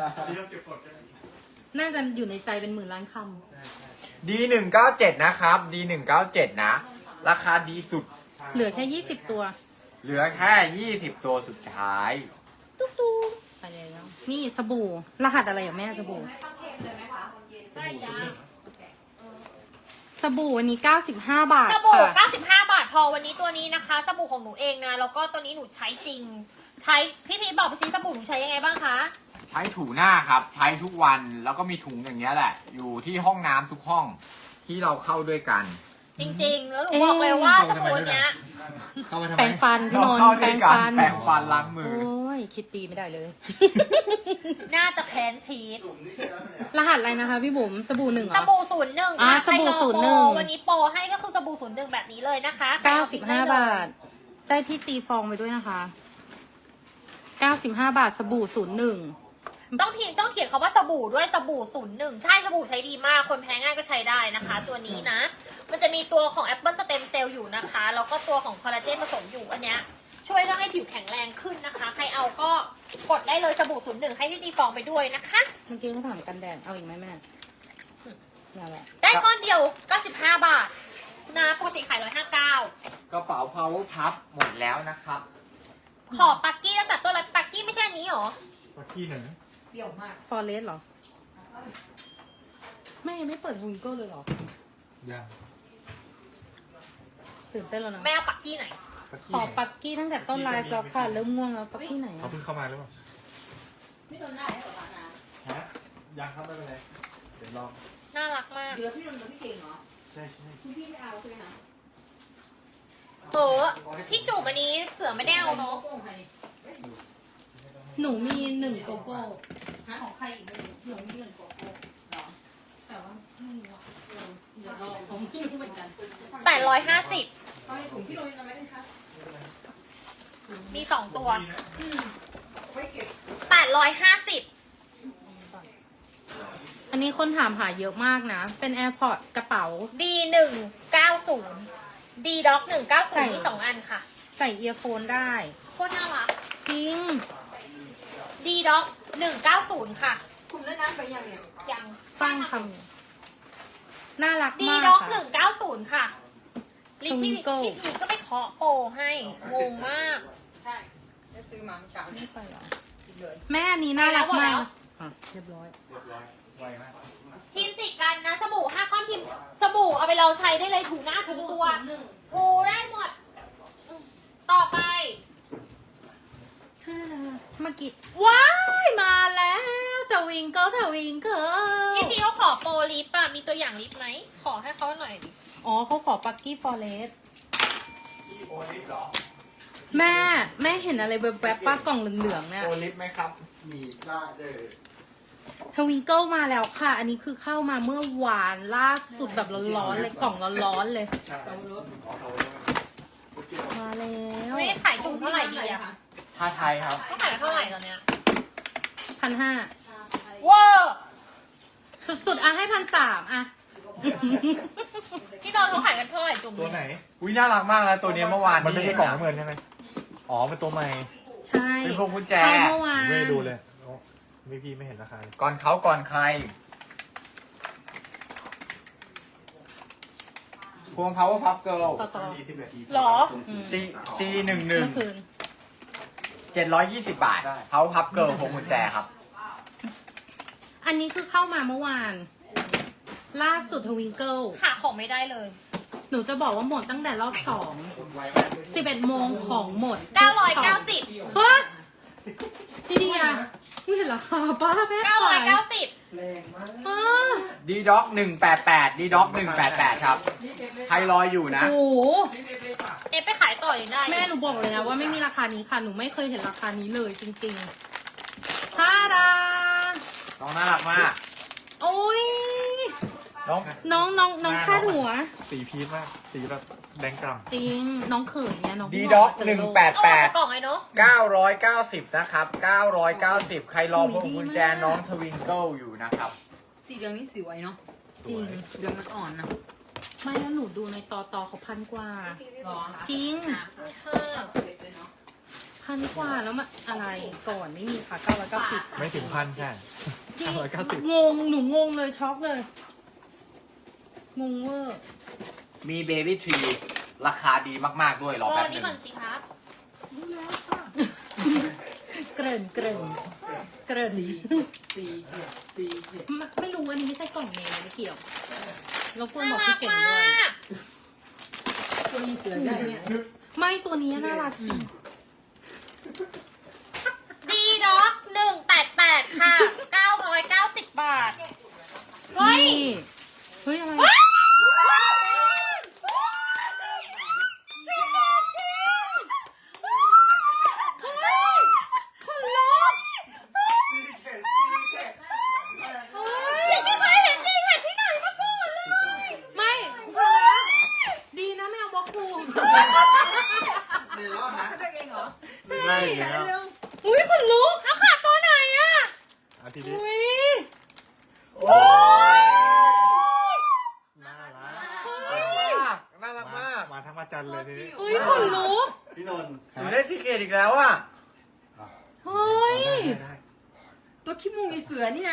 Speaker 3: น่าจะอยู่ในใจเป็นหมื่นล้านค
Speaker 1: ดีหนึ่งเก้าเจ็ดนะครับ ดีหนึ่งเก้าเจ็ดนะ ราคาดีสุด
Speaker 3: ำเหลือแค่ยี่สิบตัว
Speaker 1: เหลือแค่ยี่สิบตัวสุดท้าย
Speaker 2: ตุ๊กตุ๊ก
Speaker 3: ไปเลยแล้วนี่สบู่ รหัสอะไรอ่ะแม่สบู่
Speaker 2: ใช่จ้า
Speaker 3: สบู่วันนี้เก้าสิบห้าบาท
Speaker 2: สบู่
Speaker 3: ค่ะ
Speaker 2: เก้าสิบห้าบาทพอวันนี้ตัวนี้นะคะ สบู่ของหนูเองนะ แล้วก็ตัวนี้หนูใช้จริง ใช้พี่พีทบอกไปซิสบู่หนูใช้ยังไงบ้างคะ
Speaker 1: ใช้ถูหน้าครับ ใช้ทุกวันแล้วก็มีถุงอย่างเงี้ยแหละ อยู่ที่ห้องน้ำทุกห้องที่เราเข้าด้วยกัน
Speaker 2: จริงๆ แล้วหนูบอกเลยว่าสบู่เนี้ย
Speaker 1: เข้ามาทำไม
Speaker 3: แปรงฟันพี่นน
Speaker 1: เรา
Speaker 3: ท์
Speaker 1: เข้า
Speaker 3: แป
Speaker 1: ด้
Speaker 3: ร
Speaker 1: วย
Speaker 3: ง
Speaker 1: กัน
Speaker 3: ฟัน
Speaker 1: แปรงฟันล้างมือ
Speaker 3: โอ้ยคิดตีไม่ได้เลย
Speaker 2: น่าจะแค้นชีส
Speaker 3: รหัสอะไรนะคะพี่บุ๋มสบู่หนึ่งเหร
Speaker 2: ส
Speaker 3: อ
Speaker 2: บู่ศูนย์หนึ่ง
Speaker 3: อ่าสบู่ศูนย์หนึ่ง
Speaker 2: วันนี้โปรให้ก็คือสบู่ศูนย์หนึ่งแบบนี้เลยนะคะ
Speaker 3: เก้าสิบห้าบาท ได้ที่ตีฟองไปด้วยนะคะเก้าสิบห้าบาทสบู่ศูนย์หนึ่ง
Speaker 2: ต้องพิมพ์ต้องเขียนคำว่าสบู่ด้วยสบู่ศูนย์หนึ่งใช่สบู่ใช้ดีมาก คนแพ้ง่ายก็ใช้ได้นะคะ ตัวนี้นะ มันจะมีตัวของแอปเปิลสเต็มเซลล์อยู่นะคะ แล้วก็ตัวของคอลลาเจนผสมอยู่อันเนี้ยช่วยเรื่องให้ผิวแข็งแรงขึ้นนะคะ ใครเอาก็กดได้เลยสบู่ศูนย์หนึ่งให้ที่ตีฟองไปด้วยนะคะ
Speaker 3: เมื่อกี้เขาถามกันแดดเอาอีกไหมแม่นั่นแหละ
Speaker 2: ได้ก้อนเดียวเก้าสิบห้าบาทนะปกติขายหนึ่งร้อยห้าสิบเก้า
Speaker 1: กระเป๋า power puff หมดแล้วนะครับ
Speaker 2: ขอปักกี้ตั้งแต่ต้นเลยปักกี้ไม่ใช่อันนี้หรอ
Speaker 5: มาที่หนึ่ง
Speaker 4: เปรี้ยวมาก
Speaker 3: ฟอเรสเหรอแม่ยังไม่เปิดฮุนเกิลเลยเหรอ
Speaker 6: ยัง
Speaker 3: ตื่นเต้นแล้วนะ
Speaker 2: แม่เอาปักกี้ไหน
Speaker 3: ขอปักกี้ตั้งแต่ต้นไลฟ์แล้วค่ะ เริ่มง่วงแล้วปักกี้ไหน
Speaker 6: เขา
Speaker 3: อะ
Speaker 6: เพิ่งเข้ามาหรือเปล่า
Speaker 7: ไม่โดนได้เหรอนะ
Speaker 6: ฮะยังครับไม่เป็นไรเดี๋ยวลอง
Speaker 2: น่ารักมาก
Speaker 7: เดี๋ยวพี่โดนกับพี่เก่งเหรอ
Speaker 6: ใช่ใช่
Speaker 7: คุณพี่ไม่เอาใช่ไหมคะ
Speaker 2: เออพี่จุ๋มอันนี้เสือไม่ได้เอาเนาะ
Speaker 7: โป้งใคร
Speaker 3: หนูมีหนึ่งโกโก้ของใครอีกไม่รู้หนูมีหนึ่งโกโก้
Speaker 7: เหรอ
Speaker 3: แต่ว่าไม่รู้อะเออเดี๋ยวลองผมไม่รู้เหมือนกัน
Speaker 2: แปดร้อยห้าสิบ
Speaker 7: ตอนในถุงพี่โดนอะไรไหมคะ
Speaker 2: มีสองตัว
Speaker 7: ไว้เก็บ
Speaker 2: แปดร้อยห้าสิบ
Speaker 3: อันนี้คนถามหาเยอะมากนะ เป็น AirPods กระเป๋า
Speaker 2: ดีหนึ่งเก้าศูนย์ดีด็อกหนึ่งเก้าศู
Speaker 3: ใส่
Speaker 2: นย์มีสองอันค่ะ
Speaker 3: ใส่เอียร์โฟนได้
Speaker 2: โคตรน่ารัก
Speaker 3: จริง
Speaker 2: ดีด็อกหนึ่งเก้าศูนย์ค่ะ
Speaker 7: คุมได้น้ำไปยังเนี่ย
Speaker 2: ยัง
Speaker 3: สร้างคำน่ารัก
Speaker 2: ดี
Speaker 3: มาก
Speaker 2: ด็อกห
Speaker 3: ค่ะ
Speaker 2: นึ่งเก้าศูนย์ค่ะลิปพี่
Speaker 3: Twinkle
Speaker 2: พี่พีก็ไปเคาะโปรให้ งงมาก
Speaker 7: ใช่จะซื้อมามันเก่า
Speaker 3: ไม่ไปเหรอ
Speaker 7: เลย
Speaker 3: แม่อันนี้น่ารัก
Speaker 2: ไปแล้
Speaker 3: มาว ก
Speaker 2: หมดแล้ว
Speaker 3: อ่ะเรียบร้อย
Speaker 6: เรียบร้อยไวมาก
Speaker 2: ทีมติดกันนะสบู่ห้าก้อนพิมพ์สบู่เอาไปเราใช้ได้เลยถูหน้าถูตัว
Speaker 3: หนึ่ง
Speaker 2: ถูได้หมดอืมต่อไป
Speaker 3: ชื่ออะไรอะเมื่อกี้ว้ายมาแล้วทวิงเกิลทวิงเกิล
Speaker 2: พี่พีเขาขอโปรลิปอะมีตัวอย่างลิปไหม ขอให้เขาหน่อยดิ
Speaker 3: อ๋อเขาขอปักกี้ฟอเรส
Speaker 1: โอลิฟเหรอ
Speaker 3: แม่แม่เห็นอะไรแบบแบบป้ากล่องเหลืองๆเนี่ย
Speaker 1: โอลิฟไหมครับ
Speaker 5: มีได้เลย
Speaker 3: ทวิงเกิลมาแล้วค่ะ อันนี้คือเข้ามาเมื่อวานล่าสุดแบบร้อนๆเลยกล่องร้อนๆเลย
Speaker 6: ใช่
Speaker 3: มาแล้ว
Speaker 2: ไม่ขายจุ่มเท่าไหร่ดีอะ
Speaker 1: ท่าไทยครับ
Speaker 2: เขาขายกันเท่าไหร่ตอนเนี้ย
Speaker 3: พันห้า
Speaker 2: เวอร์
Speaker 3: สุดๆอ่ะให้พันสามอ่ะ
Speaker 2: พี่ดอนเขาขายกันเท่าไหร่จุ่ม
Speaker 6: ตัวไหน
Speaker 1: อุ้ยน่ารักมากนะตัวเนี้ยเมื่อวาน
Speaker 6: มันไม่ใช่กล่องน้ำเงินใช่ไหมอ๋อเป็นตัวใหม่
Speaker 3: ใช่
Speaker 1: เป็นพวงกุญแจ
Speaker 3: เข้าเมื่อวาน
Speaker 6: ไม่ได้ดูเลยโอ้ไม่พี่ไม่เห็นราคาเลย
Speaker 1: ก่อนเขาก่อนใคร พวง power puff girl
Speaker 3: ต่อต่อ
Speaker 5: สี่สิบนาที
Speaker 2: หรอ
Speaker 1: C C หนึ่งหนึ่ง
Speaker 3: เมื่อคืน
Speaker 1: เจ็ดร้อยยี่สิบบาท power puff girl พวงกุญแจครับ
Speaker 3: อันนี้คือเข้ามาเมื่อวาน ล่าสุดทวิงเกิล
Speaker 2: หาของไม่ได้เลย
Speaker 3: หนูจะบอกว่าหมดตั้งแต่รอบสอง
Speaker 5: ไวมาก
Speaker 3: สิบเอ็ดโมงของหมด
Speaker 2: เก้าร้อยเก้าสิบ
Speaker 3: เฮ้ยพี่เดียไม่เห็นราคาป้าแม่
Speaker 2: เก้าร้อยเก้าสิบ
Speaker 5: แรงมาก
Speaker 3: อ่า
Speaker 1: D doc หนึ่งแปดแปด D doc หนึ่งแปดแปดครับใครรออยู่นะ
Speaker 3: โอ้โห
Speaker 2: เอะไปขายต่อยังได้
Speaker 3: แม่หนูบอกเลยนะว่าไม่มีราคานี้ค่ะ หนูไม่เคยเห็นราคานี้เลยจริงๆท่าดา
Speaker 1: น้องน่ารักมาก
Speaker 3: โอ้ย
Speaker 1: น้อง
Speaker 3: น้องน้องน้องคาดหัว
Speaker 6: สีพีชมากสีแบบแดงกล่ำ
Speaker 3: จริง น้องเขินเนี่ยน้อง
Speaker 1: D
Speaker 3: เพิ่ง
Speaker 1: doc
Speaker 3: ออกมาเจอ
Speaker 1: หนึ่ง
Speaker 3: โลก
Speaker 1: แปด
Speaker 2: เอา
Speaker 1: แป
Speaker 2: ออก
Speaker 1: ด
Speaker 2: จากกล่องไอ้เนาะ
Speaker 1: เก้าร้อยเก้าสิบนะครับเก้าร้อยเก้าสิบใครรอพวงกุญแจน้องทวิงเกิลอยู่นะครับ
Speaker 7: สีเหลืองนี่สวยเนาะ
Speaker 3: จริง
Speaker 7: เหลืองมันอ่อนนะ
Speaker 3: ไม่แล้วหนูดูในต่อต่อเขาพันกว่า
Speaker 7: หรอ
Speaker 3: จริง
Speaker 2: ค่ะ
Speaker 3: พันกว่าแล้วมันอะไรก่อนไม่มีค่ะเก้าร้อยเก้าสิบ
Speaker 6: ไม่ถึงพันแค่
Speaker 3: จริง
Speaker 6: เก้าร้อยเก้าสิบ
Speaker 3: งงหนูงงเลยช็อกเลย งงเวอร์
Speaker 1: มีเบบี้ทรีราคาดีมาก ๆ ด้วยรอ
Speaker 2: รอ
Speaker 1: แป๊บห
Speaker 2: นี้
Speaker 1: นึง
Speaker 2: ก่อนสิครับ
Speaker 3: เกริ่นเกริ่นเกริ่น
Speaker 5: สี่เจ็ดสี่เจ็ด
Speaker 3: ไม่ไม่รู้อันนี้ไม่ใช่กล่องเมย์ไม่เกี่ยวเราควร
Speaker 2: น่า
Speaker 3: บอก
Speaker 2: รั
Speaker 3: พี่
Speaker 2: ก
Speaker 3: เก่ง
Speaker 2: มา
Speaker 3: ด้วย
Speaker 2: ก
Speaker 7: ตัวนี้เสือได้เนี่ย
Speaker 3: ไม่ตัวนี้น่ารักจริง
Speaker 2: ดีด็อกหนึ่งแปดแปดค่ะเก้าร้อยเก้าสิบบาท เฮ้ย
Speaker 3: นี่เฮ้ยอะไร
Speaker 2: ว้าวฉันไม่เคยเห็นซีแคทที่ไหนมาก่อนเลย
Speaker 3: ไม่ฟังนะดีนะไม่เอาบล็อกคู
Speaker 5: ในรอบนะ
Speaker 7: ได้เองเหรอ
Speaker 6: ได้แล้ว
Speaker 3: อุ้ยขนลุก
Speaker 2: เอาขาดตัวไหนอะ
Speaker 6: อาทิตย์นี้
Speaker 3: อุ้ย
Speaker 1: โอ้ย
Speaker 6: น่ารัก
Speaker 1: น่ารักมาก
Speaker 6: มาทั้งมาจันเลยทีนี้
Speaker 3: อุ้ยขนลุก
Speaker 5: พี่นนท์
Speaker 1: หนูได้ซีเกตอีกแล้วอ่ะ
Speaker 3: เฮ้ย
Speaker 6: ได้
Speaker 7: ตัวขี้มูกมีเสือนี่นะ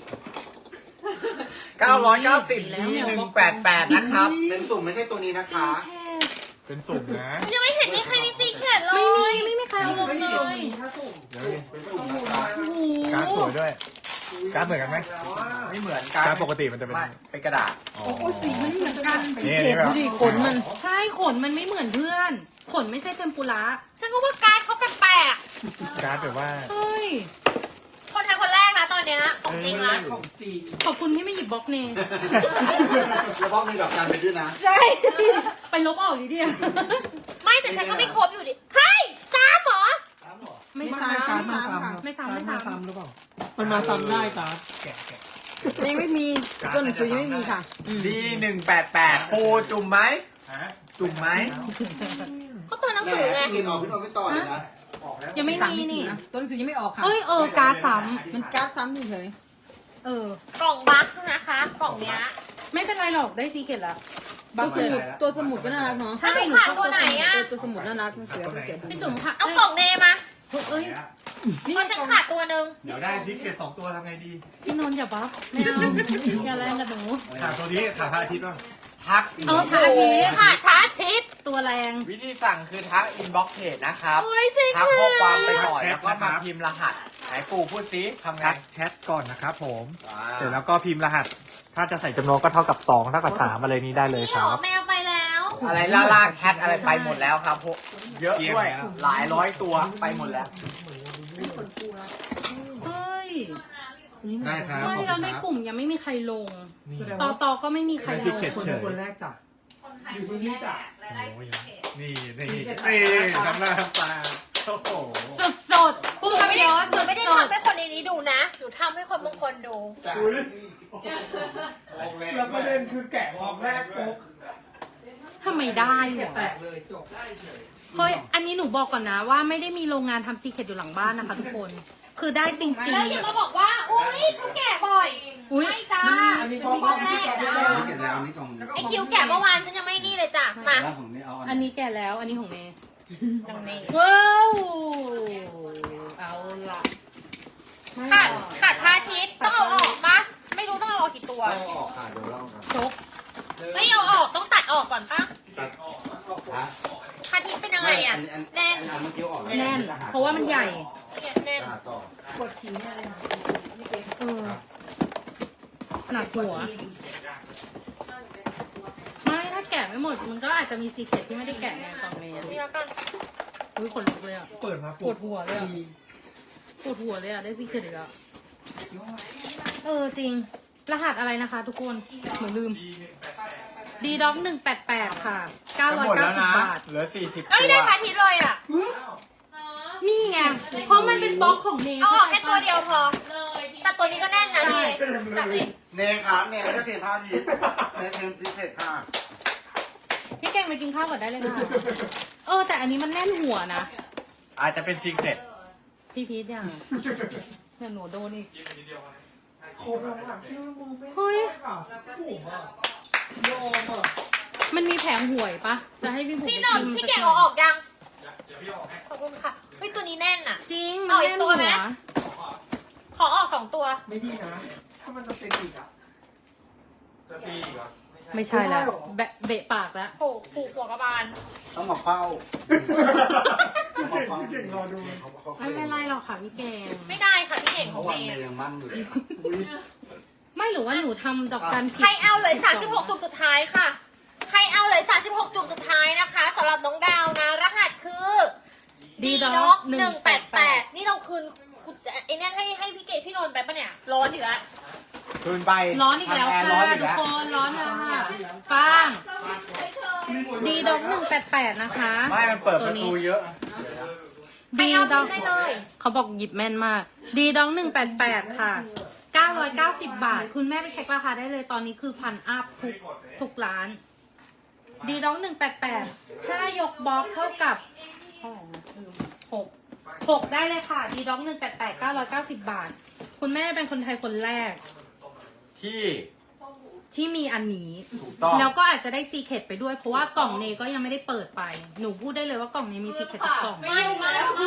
Speaker 1: เก้าร้อยเก้าสิบ D หนึ่งแปดแปดนะครับ
Speaker 5: เป็นสุ่มไม่ใช่ตัวนี้นะคะ
Speaker 6: เป็นสุ่มนะ
Speaker 2: ยังไม่เห็นมีใครมีซีแคทเล
Speaker 3: ไม่มี
Speaker 2: ย
Speaker 3: ไม่มีใครเอาลงเลย
Speaker 6: เดี๋ยวนี้
Speaker 5: เป็นสุ่มนะคะ
Speaker 3: โอ้โห
Speaker 6: การดสวยด้วย
Speaker 5: อุ้ย
Speaker 6: การ์ดเหมือนกันไหม
Speaker 1: ไม่เหมือน
Speaker 6: การ์ดปกติมันจะเป็น
Speaker 1: ไม่เป็นกระดาษ
Speaker 6: อ๋อ
Speaker 7: โอ้ยสีมันเหมือนกัน
Speaker 6: นี่
Speaker 7: เห็น
Speaker 6: แบบ
Speaker 7: ดูดิขนมัน
Speaker 3: ใช่ขนมันไม่เหมือนเพื่อน ขนไม่ใช่เทมปุระ
Speaker 2: ฉันก็ว่าการ์ดเขาแปลก
Speaker 6: การ์ดแบบว่า
Speaker 3: เฮ้ย
Speaker 2: ๆคนไทยคนแรกนะตอนเนี้ยของจริงนะ
Speaker 5: ของจริง
Speaker 3: ขอบคุณที่ไม่หยิบบล็อกเน
Speaker 5: แล้วบอกในกับการไปด้วยนะ
Speaker 3: ใช่ ไปลบออกดิเดีย
Speaker 2: ไม่แต่ฉันก็ไม่ครบอยู่ดิเฮ้ยซ้ำเหรอ
Speaker 3: ไม่
Speaker 7: ไม่
Speaker 3: ซ้
Speaker 7: ซ้ำ
Speaker 3: ำ
Speaker 7: ไม่ซ้ำค่ะ
Speaker 3: ไม่ซ้ำไม่ซ้ำ
Speaker 8: หรือเปล่า มันมาซ้ำได้การ์ด
Speaker 7: ยังไม่มีตัวหนังสือยังไม่มีค่ะ
Speaker 1: ดีหนึ่งแปดแปดปูจุ่มไหมจุ่มไหม
Speaker 2: ก็ตัวหนัง
Speaker 5: แหม
Speaker 2: สือไง
Speaker 5: พี่นอนพี่นอนไม่ต่อเลยนะ
Speaker 3: ยังไม่มีนี่
Speaker 7: ตัวหนังสือยังไม่ออกค่ะ
Speaker 3: เอ้ยเออการ์ดซ้
Speaker 7: มันการ์ดซ้ำเฉย
Speaker 3: ำเออ
Speaker 2: กล่องบัคนะคะ กล่องเนี้ย
Speaker 3: ไม่เป็นไรหรอกได้ซีเกตละ
Speaker 7: ๆตัวสมุดตัวสมุดก็น่ารักเนาะ
Speaker 3: ใช่
Speaker 2: แล้วหนู
Speaker 3: หนู
Speaker 2: ขาดตัวไหนอะ
Speaker 7: เออตัวสมุดน่ารักมันเสือเป็นเสือดู
Speaker 3: พี่จุ๋มค่ะ
Speaker 2: เอากล่องเนมา
Speaker 3: เอ้ย
Speaker 2: เพราะฉันขาดตัวหนึ่ง
Speaker 6: เดี๋ยวได้ซิกเก็ตสองตัวทำไงดี
Speaker 3: พี่นนท์อย่าบัฟไม่เอาอย่าแรงกับหนู
Speaker 6: ถามตัวนี้ถามพระอาทิตย์ป่ะ
Speaker 1: ทัก
Speaker 3: เออพระอาทิตย์
Speaker 2: ขาดพระอาทิตย์
Speaker 3: ตัวแรง
Speaker 1: วิธีสั่งคือทักอินบ็อกเพจนะครับ
Speaker 2: โอ้ยสิ
Speaker 1: ทักข้อความไปก่อน
Speaker 6: แชท
Speaker 1: แล้วก็
Speaker 6: นะครั
Speaker 1: มา
Speaker 6: บ
Speaker 1: พิมพ์รหัสไหนปู่พูดซิทำไง
Speaker 6: ทักแชทก่อนนะครับผม
Speaker 1: ว้า
Speaker 6: เสร็จแล้วก็พิมพ์รหัส ถ้าจะใส่จำนวนก็เท่ากับสองเท่ากับสามอะไรนี้ได้เลย
Speaker 2: นี่
Speaker 6: ค
Speaker 2: หร
Speaker 6: รั
Speaker 2: อบ แมวไปแล้ว
Speaker 1: อะไรล่าล่าแคทอะไรไปหมดแล้วครับพวกเยอะด้วย
Speaker 6: เกลี้ยงแล้ว
Speaker 1: หลายร้อยตัวไปหมดแล้ว
Speaker 3: เฮ้ย
Speaker 6: ได้ครับ
Speaker 3: ไม่
Speaker 6: ขอบ
Speaker 3: แล้ว
Speaker 6: คุณ
Speaker 3: ใน
Speaker 6: ครับ
Speaker 3: กลุ่มยังไม่มีใครลง
Speaker 6: นี่
Speaker 3: ต่อต่อก็ไม่มีใคร
Speaker 6: ได้
Speaker 3: ล
Speaker 6: ซิ
Speaker 3: ง
Speaker 6: กเก็ต
Speaker 8: คน
Speaker 6: เฉ
Speaker 8: นี้
Speaker 6: ย
Speaker 8: คนแรกจ้ะอยู่ที่นี่จ้ะ
Speaker 6: โอ้ยนี่นี่นี่ทำหน้าทำตาโอ้โห
Speaker 3: สดสดๆพูด
Speaker 2: หนู
Speaker 3: คำ
Speaker 2: ไม่
Speaker 3: เดี
Speaker 2: ได้
Speaker 3: ยว
Speaker 2: หนูไม่ได้ทำให้คนในนี้ดูนะ หนูทำให้คนบางคนดู
Speaker 8: แล้วประเด็นคือแกะออกแรกปุ๊บ
Speaker 3: ทำไมได้วะ
Speaker 8: แตกเลยจบ
Speaker 3: เฮ้ย อันนี้หนูบอกก่อนนะว่าไม่ได้มีโรงงานทำซีเคร็ตอยู่หลังบ้านนะคะทุกคน คือได้จริง
Speaker 2: แล้วอย่ามาบอกว่า อุ้ยเขาแก่บ่อย
Speaker 3: อุ๊ย
Speaker 2: ไม่จ้า
Speaker 8: อันนี้
Speaker 2: มี
Speaker 8: เขา
Speaker 2: ค
Speaker 8: บอก
Speaker 2: นแร
Speaker 8: ที่
Speaker 2: ก
Speaker 8: แกะ
Speaker 2: นะ
Speaker 8: ได้แล้ว
Speaker 5: นี่เก็บแล้วนี่กล่อง
Speaker 2: ไอคิวแก่เมื่อวานฉันยังไม่นี่เลยจ้ะ มา
Speaker 5: แล้วของนี่เอา
Speaker 3: ๆ อันนี้แก่แล้ว อันนี้ของเมย์
Speaker 2: ดังนี้
Speaker 3: ว้าวเอาละไม่
Speaker 2: ขาด
Speaker 3: ออก
Speaker 2: ขาดพระอาทิตย์ต้องเอาออกปะไม่รู้ต้องเอาออกกี่ตัว
Speaker 5: เอาออกค่ะเดี๋ยวเล่ากัน
Speaker 3: ชก
Speaker 2: ไม่เอาออกต้องตัดออกก่อนปะ
Speaker 5: ตัดฮะ
Speaker 2: พระอาทิตย์เป็นยังไงอ่ะ
Speaker 5: อัน
Speaker 2: แน่น
Speaker 5: อันเมื่อกี้ออก
Speaker 3: แน่น เพราะว่ามันใหญ่
Speaker 2: แน่น
Speaker 5: อ่าต่อก
Speaker 7: ดขี่เนี่ยเลยนะนี่เป็น
Speaker 3: เออหนักหัว ไม่ถ้าแกะไม่หมด มันก็อาจจะมีซีเคร็ตที่ไม่ได้แกะไงกล่องเมย์
Speaker 2: นี่แล้วกัน
Speaker 3: อุ้ยขนลุกเลยอ่ะ
Speaker 8: เปิดมา
Speaker 3: ปวดหัวเลยอะ
Speaker 8: ดี
Speaker 3: ปวดหัวเลยอ่ะ ได้ซีเคร็ตอีกแล้วเออจริง รหัสอะไรนะคะ ทุกคนเหมือนลืม ดีด็อกหนึ่งแปดแปดค่ะเก้า
Speaker 1: จะ
Speaker 3: ร้อ
Speaker 1: ห
Speaker 3: ย
Speaker 1: มด
Speaker 3: เก้า
Speaker 1: แล้ว
Speaker 3: สิบ
Speaker 1: นะ
Speaker 3: บาท
Speaker 1: เหลือสี่สิบ
Speaker 2: เอ้ย
Speaker 1: ตั
Speaker 2: ได้
Speaker 1: ว
Speaker 2: พระอาทิตย์เลยอ่ะ
Speaker 3: นี่ไง เพราะมันเป็นบล็อกของเน
Speaker 2: เอาออกแค่ตัวเดียวพอ แต่ตัวนี้ก็แน่นนะนี่จัดเอง
Speaker 5: เนยครับเนยไม่ได้เทผ้าทีเนยเทพิเศษค่ะ
Speaker 3: พี่แกงไปกินข้าวก่อนได้เลยค่ะ เออ แต่อันนี้มันแน่นหัวนะ
Speaker 1: อาจจะเป็นซีเค็ด
Speaker 3: พี่พีทอย่างเนี่ยหนูโดนอีก
Speaker 8: โคมแล้วอ่ะพี่มึงไม่
Speaker 3: เฮ้ย
Speaker 8: ค่ะถูกอ่ะโยมอ่ะ
Speaker 3: มันมีแผงหวยปะ จะให้พี่บุ๋ม
Speaker 2: พี่
Speaker 3: ไป
Speaker 2: หนอน
Speaker 3: ชิม
Speaker 2: พี่
Speaker 3: สั
Speaker 2: แกะ
Speaker 3: ห
Speaker 2: เอา
Speaker 3: น่ย
Speaker 2: ออกยังขอบคุณค่ะเฮ้ยตัวนี้แน่นอ่ะ
Speaker 3: จริง มัน
Speaker 2: เอาอี
Speaker 3: แน่
Speaker 2: ก
Speaker 3: น
Speaker 2: ตัว
Speaker 3: หั
Speaker 2: ไหม
Speaker 3: ว
Speaker 2: ขอออกสองตัว
Speaker 8: ไม่ดีนะ ถ้ามันจะเป็นอีกอ่ะ
Speaker 3: ไม่ใช่แล้วแบะเบะปากแล้ว
Speaker 2: โผผูกหัวกระบาล
Speaker 5: ต้องมาเฝ้าต้องมาเฝ้า
Speaker 8: เก่งรอดู
Speaker 5: เขาเขา
Speaker 3: ไม่เป็นไรหรอกค่ะพี่แกง
Speaker 2: ไม่ได้ค่ะพี่เก่งข
Speaker 5: เพ
Speaker 2: อง
Speaker 5: ราะ
Speaker 2: เม
Speaker 5: ว่าเน
Speaker 2: ย์
Speaker 5: ยยังมั่นอยู่
Speaker 3: ไม่หรือว่าหนูทำดอกจันผิด
Speaker 2: ใครเอาเลยสามสิบหกจุดสุดท้ายค่ะ ใครเอาเลยสามสิบหกจุดสุดท้ายนะคะสำหรับน้องดาวนะ รหัสคือ
Speaker 3: ดีด็
Speaker 2: ด็
Speaker 3: อ
Speaker 2: อก ก
Speaker 3: ห
Speaker 2: ห
Speaker 3: นึ่
Speaker 2: นึ่
Speaker 3: ง
Speaker 2: ง
Speaker 3: แป
Speaker 2: แป
Speaker 3: ด
Speaker 2: ด
Speaker 3: แป
Speaker 2: แป
Speaker 3: ด
Speaker 2: ดนี่เราคืนคุณไอ้เนี่ยให้ให้พี่เกดพี่นนท์ไปปะเนี่ย ร้อนอยู่แล้ว
Speaker 1: คืนไป
Speaker 3: ร้อนอีกแล้ว
Speaker 1: ทำร์
Speaker 3: ค่ะ
Speaker 1: ร้อนอีก
Speaker 3: ทุก
Speaker 1: แล้ว
Speaker 3: คนร้อนแล้วค่ะฟังดีด็อกหนึ่งแปดแปดนะคะ
Speaker 1: ไม่มันเปิดประตูเยอะ
Speaker 2: ใคร
Speaker 3: ดี
Speaker 2: เอา
Speaker 3: ด็อก
Speaker 2: ได้เลย
Speaker 3: เขาบอกหยิบแม่นมาก ดีด็อกหนึ่งแปดแปดค่ะเก้าร้อยเก้าสิบบาท คุณแม่ไปเช็คราคาได้เลยตอนนี้คือพันอัพทุกทุกร้าน ดีด็อกหนึ่งแปดแปดถ้ายกบล็อกเท่ากับเท่าไหร่นะไม่รู้หกหกได้เลยค่ะดีด็อกหนึ่งแปดแปดเก้าร้อยเก้าสิบบาท คุณแม่เป็นคนไทยคนแรก
Speaker 1: ที่
Speaker 3: ที่มีอันนี้
Speaker 1: ถูกต้อง
Speaker 3: แล้วก็อาจจะได้ซีเคร็ตไปด้วย เพราะว่ากล่องเนก็ยังไม่ได้เปิดไป หนูพูดได้เลยว่ากล่องเนมีซีเคร็ตทุกกล่อง
Speaker 2: ไม่ไม่ไม่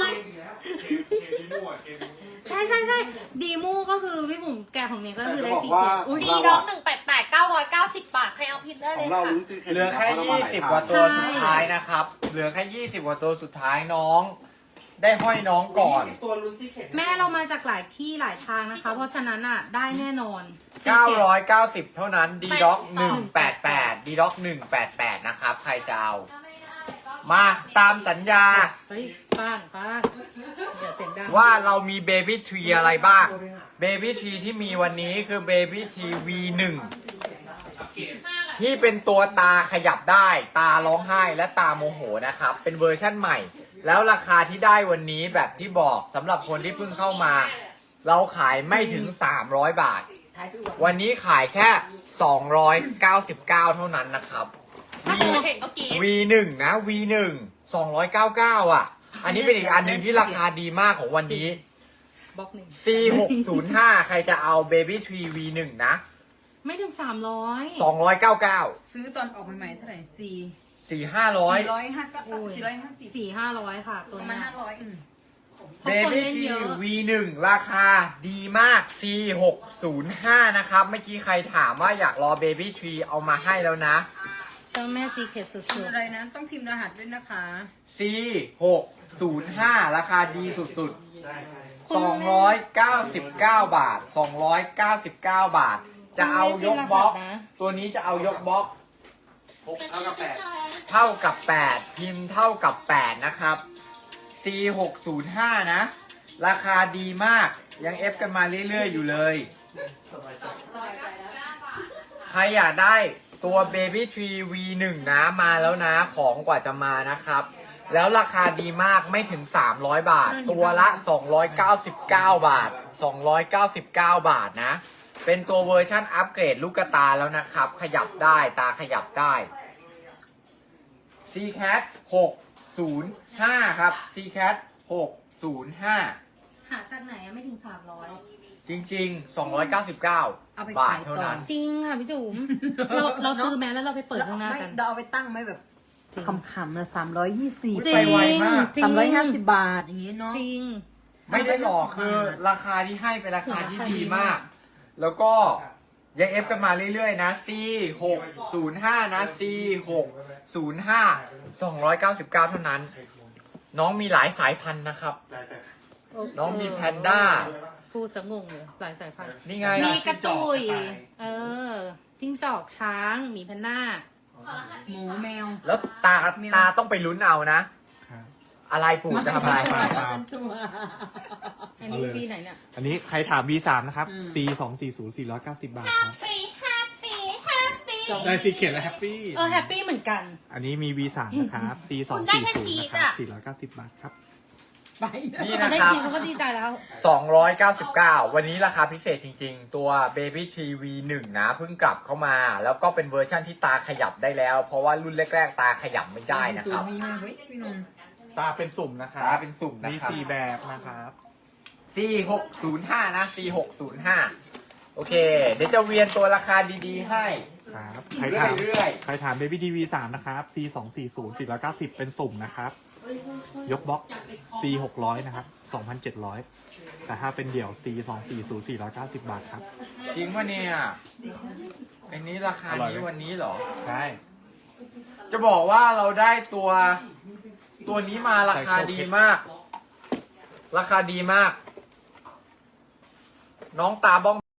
Speaker 3: ใช่ใช่ใช่ดีมูก็คือพี่บุ๋มแกะของเนก็คือได้ซีเคร็ตอุ้ย
Speaker 2: ดีด็อกหนึ่งแปดแปดเก้าร้อยเก้าสิบบาท ใครเอาพิมพ์ได้
Speaker 5: ข
Speaker 2: เล
Speaker 5: อง
Speaker 2: ย
Speaker 5: เรา
Speaker 2: ค่ะ
Speaker 5: ลุ้นคือ
Speaker 1: เหลือแค่ยี่สิบกว่าตัวสุดท้ายนะครับ เหลือแค่ยี่สิบกว่าตัวสุดท้ายน้องได้ห้อยน้องก่อน
Speaker 8: ตัวลูซี่เข็ม
Speaker 3: แม่เรามาจากหลายที่หลายทางนะคะ เพราะฉะนั้นอ่ะได้แน่นอน
Speaker 1: เก้าร้อยเก้าสิบเท่านั้น D Doc หนึ่งแปดแปด D Doc หนึ่งแปดแปดนะครับ ใครจะเอา มาตามสัญญา
Speaker 3: เฮ้ยป้างป้างอย่าเสียงดัง
Speaker 1: ว่าเรามี Baby Tree อะไรบ้าง Baby Tree ที่มีวันนี้คือ Baby Tree วี หนึ่ง ที่เป็นตัวตาขยับได้ ตาร้องไห้และตาโมโหนะครับ เป็นเวอร์ชั่นใหม่ แล้วราคาที่ได้วันนี้แบบที่บอกสำหรับคนที่เพิ่งเข้ามา เราขายไม่ถึง สามร้อย บาท วันนี้ขายแค่ สองร้อยเก้าสิบเก้า เท่านั้นนะครับ
Speaker 2: ถ้าคุณเห็นเมื่อกี้
Speaker 1: วี หนึ่ง นะ วี หนึ่ง สองร้อยเก้าสิบเก้า อ่ะ อันนี้เป็นอีกอันหนึ่งที่ราคาดีมากของวันนี้
Speaker 3: บล็อกหนึ่ง
Speaker 1: ซี หกศูนย์ห้า ใครจะเอา Baby Tree วี หนึ่ง นะ
Speaker 3: ไม่ถึงสามร้อย
Speaker 1: สองร้อยเก้าสิบเก้า
Speaker 4: ซื้อตอนออกใหม่ๆเท่าไหร่สี่
Speaker 1: สี่ห้าร้อย
Speaker 4: สี่ร้อยห้าก็สี่ร้อยห้าสิบ
Speaker 3: สี่ห้าร้อยค่ะ ตัว
Speaker 4: ประมาณ
Speaker 3: เนี้ย
Speaker 4: ห้าร้อย
Speaker 3: เพราะคน
Speaker 1: Baby
Speaker 3: เล่นเย
Speaker 1: Tree
Speaker 3: อะ
Speaker 1: วี หนึ่ง ราคาดีมาก ซี หกศูนย์ห้า นะครับ เมื่อกี้ใครถามว่าอยากรอ Baby Tree เอามาให้แล้วนะ
Speaker 3: เจ้าแม่ซีเคทสุ
Speaker 4: คือ
Speaker 3: ด
Speaker 4: อะไรนะ ต้องพิมพ์รหัสด้วยนะคะ
Speaker 1: ซี หกศูนย์ห้า ราคาดีสุดๆ สองร้อยเก้าสิบเก้า บาท สองร้อยเก้าสิบเก้า บาท จะเอายกบล็อก ตัวนี้จะเอายกบล็อก
Speaker 5: หกเท่ากับแปด
Speaker 1: เท่ากับ แปด พิมพ์เท่ากับ แปด นะครับ ซี หกศูนย์ห้า นะ ราคาดีมาก ยังเอฟกันมาเรื่อยๆ อยู่เลย ใครอยากได้ตัว Baby Tree วี หนึ่ง นะ มาแล้วนะ ของกว่าจะมานะครับ แล้วราคาดีมากไม่ถึง สามร้อย บาท ตัวละ สองร้อยเก้าสิบเก้า บาท สองร้อยเก้าสิบเก้า บาทนะ เป็นตัวเวอร์ชั่นอัปเกรดลูกตาแล้วนะครับ ขยับได้ตาขยับได้ ซี แคท หกศูนย์ห้า ครับ ซี แคท หกศูนย์ห้า
Speaker 3: ๆ หาจากไหนอะไม่ถึงสามร้อย
Speaker 1: จริงๆ สองร้อยเก้าสิบเก้า
Speaker 4: เอาไป
Speaker 1: บาท
Speaker 4: ขาย
Speaker 1: เท่า
Speaker 4: ต่อ
Speaker 1: นั้น
Speaker 3: จริงค่ะพี่จุ๋มเราเราซื้อแม้แล้วเราไปเปิดข้างหน้า
Speaker 4: ไม่
Speaker 3: กัน
Speaker 4: เราเอาไปตั้งไหมแบบคำๆนะสามร้อยยี่สิบ
Speaker 3: จริง
Speaker 1: ไปไวมาก
Speaker 3: จริง
Speaker 4: สามร้อยห้าสิบบาทอย่างงี้เนาะ
Speaker 3: จริง
Speaker 1: ไม่ได้หลอกคือราคาที่ให้เป็นราคาที่ดีมาก แล้วก็ยังเอฟกันมาเรื่อยๆ นะ ซี หกศูนย์ห้า นะ ซี หกศูนย์ห้า สองร้อยเก้าสิบเก้า เท่านั้น น้องมีหลายสายพันธุ์นะครับ น้องมีแพนด้า
Speaker 3: พูดสะงงเลยหลายสายพันธุ์
Speaker 1: นี่ไง
Speaker 3: มีกระตุย เออ จิ้งจอกช้างหมีแพนด้า
Speaker 4: หมูแมว
Speaker 1: แล้วตาตาต้องไปลุ้นเอานะ อะไรปู่จะทำอะไร
Speaker 6: ปลาปลา
Speaker 4: ตัว
Speaker 3: อันนี้ปีไหนเนี่ย
Speaker 6: อันนี้ใครถาม วี สาม นะครับ
Speaker 4: อืม
Speaker 6: ซี สองสี่ศูนย์ สี่ร้อยเก้าสิบ บาทครับ
Speaker 2: Happy Happy Happy
Speaker 6: ได้ซีเขียนและแฮปปี้
Speaker 3: เออแฮปปี้เหมือนกัน
Speaker 6: อันนี้มี วี สาม นะครับ ซี สอง
Speaker 2: คุณได้
Speaker 6: สี่
Speaker 2: แค่
Speaker 6: ศูน
Speaker 2: ชี
Speaker 6: ย์
Speaker 2: ส
Speaker 6: นะครับ
Speaker 2: อะ
Speaker 6: สี่ร้อยเก้าสิบ บาทครับ
Speaker 4: ไป
Speaker 1: นี่
Speaker 3: เขา
Speaker 1: นะ
Speaker 3: ได้
Speaker 1: ครับ
Speaker 3: ชิมเขาก็ดีใจแล้ว
Speaker 1: สองร้อยเก้าสิบเก้า วันนี้ราคาพิเศษจริงๆ ตัว Baby Tree วี หนึ่ง นะ เพิ่งกลับเข้ามา แล้วก็เป็นเวอร์ชั่นที่ตาขยับได้แล้ว เพราะว่ารุ่นแรกๆ ตาขยับไม่ได้นะครับ
Speaker 4: มีมาเฮ้ยพี่นนท์
Speaker 6: ตาเป็นสุ่มนะครับ
Speaker 1: ตาเป็นสุ่มนะ
Speaker 6: มี
Speaker 1: ครับ
Speaker 6: สี่แบบนะครับ
Speaker 1: ซี หกศูนย์ห้า นะ ซี หกศูนย์ห้า โอเค เดี๋ยวจะเวียนตัวราคาดีๆ ให้
Speaker 6: ครับ ใครถาม
Speaker 1: เรื่อย
Speaker 6: ใครถาม Baby ที วี สาม นะครับ ซี สองสี่ศูนย์ สี่ร้อยเก้าสิบ เป็นสุ่มนะครับ ยกบล็อก ซี หกร้อย นะครับ สองพันเจ็ดร้อย แต่ถ้าเป็นเดี่ยว ซี สองสี่ศูนย์ สี่ร้อยเก้าสิบ บาทครับ
Speaker 1: จริงปะเนี่ยอันนี้ราคา
Speaker 6: อร่อย
Speaker 1: นี้
Speaker 6: ไหม
Speaker 1: วันนี้เหรอ
Speaker 6: ใช่
Speaker 1: จะบอกว่าเราได้ตัว ตัวนี้มาราคาดีมาก ราคาดีมาก น้องตาบ้อง